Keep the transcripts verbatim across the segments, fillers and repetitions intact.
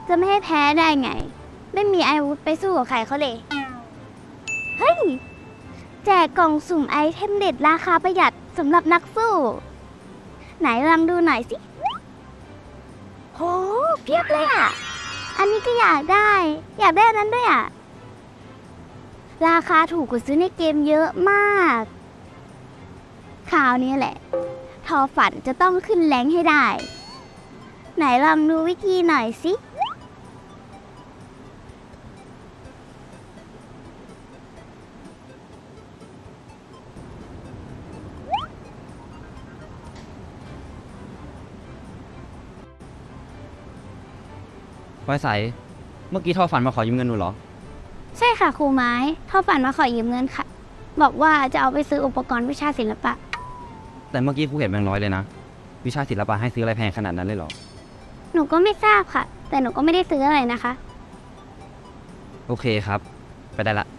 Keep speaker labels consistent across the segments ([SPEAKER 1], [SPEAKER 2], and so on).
[SPEAKER 1] จะไม่ให้แพ้ได้ไง ไม่มีอาวุธไปสู้กับใครเขาเลย เฮ้ย แจกกล่องสุ่มไอเทมเด็ดราคาประหยัดสำหรับนักสู้ ไหนลองดูหน่อยสิ โห เพียบเลยอ่ะ อันนี้ก็อยากได้ อยากได้อันนั้นด้วยอ่ะ ราคาถูกกว่าซื้อในเกมเยอะมากคราวนี้แหละ ทอฝันจะต้องขึ้นแรงให้ได้ ไหนลองดูวิธีหน่อยสิ
[SPEAKER 2] พลอยใสเมื่อกี้ทอฝันมาขอยืมเงินหนูเหรอ
[SPEAKER 1] ใช่ค่ะครูไม้ทอฝันมาขอยืมเงินค่ะ บอกว่าจะเอาไปซื้ออุปกรณ์วิชาศิลปะ
[SPEAKER 2] แต่เมื่อกี้ครูเห็นแบงค์ร้อยเลยนะ วิชาศิลปะให้ซื้ออะไรแพงขนาดนั้นเลยเหรอ
[SPEAKER 1] หนูก็ไม่ทราบค่ะ แต่หนูก็ไม่ได้ซื้ออะไรนะคะ
[SPEAKER 2] โอเคครับ ไปได้ละ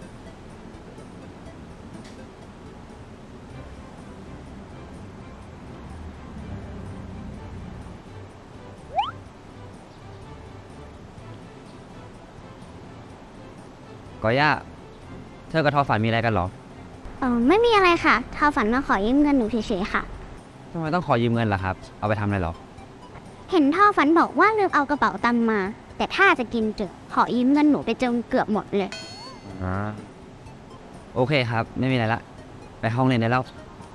[SPEAKER 2] กอย่า เธอกับทอฝันมีอะไรกันเหรอ
[SPEAKER 1] เออไม่มีอะไรค่ะทอฝันมาขอยืมเงินหนูเฉยๆค่ะ
[SPEAKER 2] ทำไมต้องขอยืมเงินล่ะครับ เอาไปทำอะไรเหรอ
[SPEAKER 1] เห็นท่อฝันบอกว่าลืมเอากระเป๋าตังค์มา แต่ถ้าจะกินเจอขอยืมเงินหนูไปจนเกือบหมดเลย
[SPEAKER 2] อ่า โอเคครับ ไม่มีอะไรละ ไปห้องเรียนได้แล้ว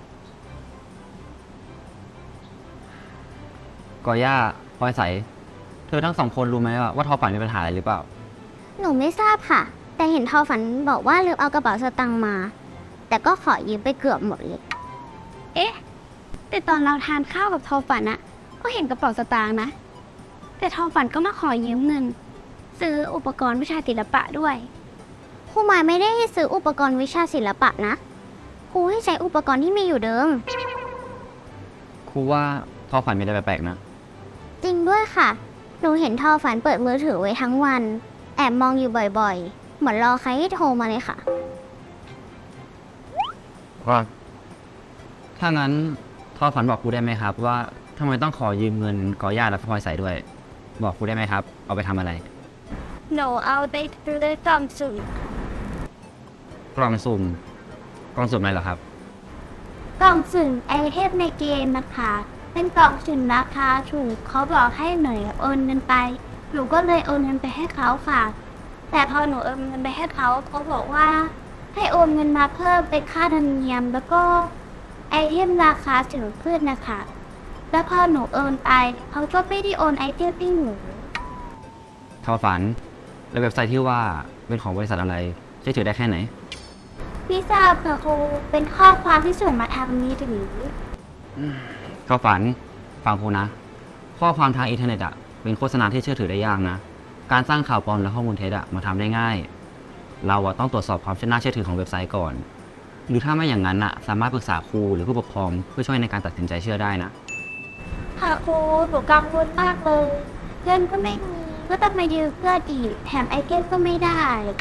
[SPEAKER 2] กอย่าพลอยใส เธอทั้งสองคนรู้ไหมว่าว่าทอฝันมีปัญหาอะไรหรือเปล่า
[SPEAKER 1] หนูไม่ทราบค่ะ แต่เห็นทอฝันบอกว่าลืมเอากระเป๋าสตางค์มา แต่ก็ขอยืมไปเกือบหมดเลย เอ๊ะ แต่ตอนเราทานข้าวกับทอฝันอะก็เห็นกระเป๋าสตางค์นะ แต่ทอฝันก็มาขอยืมเงิน ซื้ออุปกรณ์วิชาศิลปะด้วยครูหมายไม่ได้ให้ซื้ออุปกรณ์วิชาศิลปะนะครูให้ใช้อุปกรณ์ที่มีอยู่เดิม
[SPEAKER 2] ครูว่าทอฝันมีอะไรแปลกๆนะ
[SPEAKER 1] จริงด้วยค่ะ หนูเห็นทอฝันเปิดมือถือไว้ทั้งวัน แอบมองอยู่บ่อยๆ เหมือนรอใครให้โทรมาเลยค่ะ
[SPEAKER 2] ว่าถ้างั้นทอฝันบอกครูได้ไหมครับ ว่าทำไมต้องขอยืมเงินกอย่าและพลอยใสด้วย บอกครูได้ไหมครับ เอาไปทำอะไร
[SPEAKER 1] หนูเอาไปซื้อกล่องสุ่ม
[SPEAKER 2] กล่องสุ่มกล่องสุ่มอะไรเหรอครับ
[SPEAKER 1] กล่องสุ่มไอเทมในเกมนะคะ เป็นกล่องสุ่มราคาถูกเขาบอกให้หน่อยโอนเงินไป หนูก็เลยโอนเงินไปให้เขาค่ะ แต่พอหนูโอนเงินไปให้เขาเขาบอกว่า ให้โอนเงินมาเพิ่มเป็นค่าธรรมเนียม แล้วก็ไอเทมราคาสูงขึ้นนะคะ แล้วพอหนูโอนไปเขาก็ไม่ได้โอนไอเทมให้หนู
[SPEAKER 2] ทอฝัน แล้วเว็บไซต์ที่ว่าเป็นของบริษัทอะไรเชื่อถือได้แค่ไหน
[SPEAKER 1] พี่ทราบค่ะครูเป็นข้อความที่ส่งมาทางมือถือ
[SPEAKER 2] ทอฝัน ฟังครูนะ ข้อความทางอินเทอร์เน็ตอ่ะเป็นโฆษณาที่เชื่อถือได้ยากนะ การสร้างข่าวปลอมและข้อมูลเท็จอ่ะมาทำได้ง่าย เราอ่ะต้องตรวจสอบความน่าเชื่อถือของเว็บไซต์ก่อน หรือถ้าไม่อย่างนั้นอ่ะสามารถปรึกษาครูหรือผู้ปกครองเพื่อช่วยในการตัดสินใจเชื่อได้นะ
[SPEAKER 1] ค่ะครูหนูกังวลมากเลยเพื่อนก็ไม่มีก็ต้องมายืมเพื่อนอีกแถมไอเทมก็ไม่ได้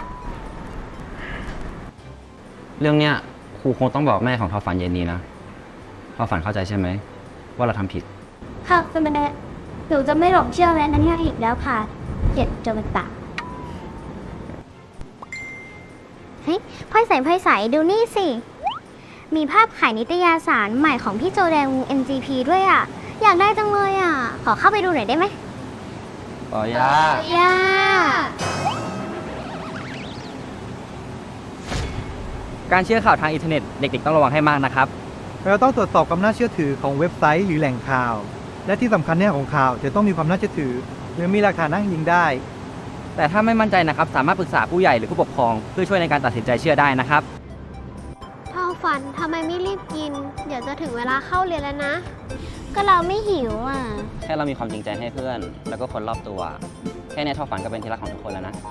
[SPEAKER 2] เรื่องเนี้ยครูคงต้องบอกแม่ของทอฝันเย็นนี้นะทอฝันเข้าใจใช่ไหมว่าเราทำผิด
[SPEAKER 1] ค่ะสมัยนี้หนูจะไม่หลงเชื่อแม้นั้นเนี่ยอีกแล้วค่ะเจ็ดจนตายเฮ้ยพ่อยใส่พ่อยใส่ดูนี่สิ มีภาพขายนิตยสารใหม่ของพี่โจแดงวง เอ็ม จี พี ด้วยอ่ะ อยากได้จังเลยอ่ะ ขอเข้าไปดูหน่อยได้ไหม
[SPEAKER 2] ต่อย่า
[SPEAKER 1] ย่า
[SPEAKER 3] การเชื่อข่าวทางอินเทอร์เน็ตเด็กๆต้องระวังให้มากนะครับ
[SPEAKER 4] เราต้องตรวจสอบความน่าเชื่อถือของเว็บไซต์หรือแหล่งข่าว และที่สำคัญเนี่ยของข่าวจะต้องมีความน่าเชื่อถือหรือมีหลักฐานอ้างอิงได้
[SPEAKER 3] แต่ถ้าไม่มั่นใจนะครับสามารถปรึกษาผู้ใหญ่หรือผู้ปกครองเพื่อช่วยในการตัดสินใจเชื่อได้นะครับ
[SPEAKER 1] ทอฝันทำไมไม่รีบกิน เดี๋ยวจะถึงเวลาเข้าเรียนแล้วนะ ก็เราไม่หิวอ่ะ
[SPEAKER 2] แค่เรามีความจริงใจให้เพื่อน แล้วก็คนรอบตัว แค่เนี้ยทอฝันก็เป็นที่รักของทุกคนแล้วนะ